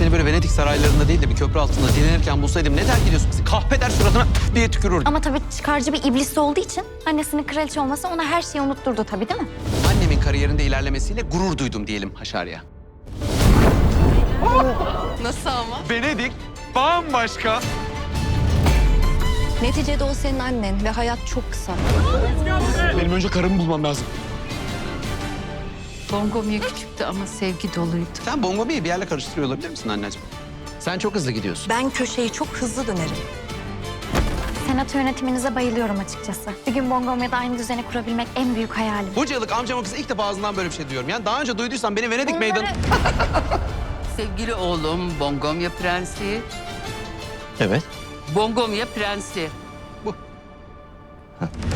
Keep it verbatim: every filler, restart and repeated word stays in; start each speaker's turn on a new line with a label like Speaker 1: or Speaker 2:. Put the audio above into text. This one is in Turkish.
Speaker 1: seni böyle Venedik saraylarında değil de bir köprü altında dinlenirken bulsaydım ne terk ediyorsun bizi? Kahpeder suratına diye tükürürdüm.
Speaker 2: Ama tabii çıkarcı bir iblis olduğu için annesinin kraliçe olması ona her şeyi unutturdu tabii, değil mi?
Speaker 1: Annemin kariyerinde ilerlemesiyle gurur duydum diyelim Haşarya.
Speaker 3: Nasıl ama?
Speaker 1: Venedik bambaşka.
Speaker 3: Neticede o senin annen ve hayat çok kısa.
Speaker 1: Benim önce karımı bulmam lazım.
Speaker 4: Bongomya küçüktü ama sevgi doluydu.
Speaker 1: Sen Bongomi'yi bir yerle karıştırıyor olabilir misin anneciğim? Sen çok hızlı gidiyorsun.
Speaker 3: Ben köşeyi çok hızlı dönerim.
Speaker 2: Senato yönetiminize bayılıyorum açıkçası. Bir gün Bongomya'da aynı düzeni kurabilmek en büyük hayalim.
Speaker 1: Bunca yıllık amcamın kızı ilk defa ağzından böyle bir şey duyuyorum. Yani daha önce duyduysan beni Venedik
Speaker 2: Bunları-
Speaker 1: meydanı...
Speaker 4: Sevgili oğlum Bongomya prensi.
Speaker 1: Evet.
Speaker 4: Bongomya prensi.
Speaker 1: Bu.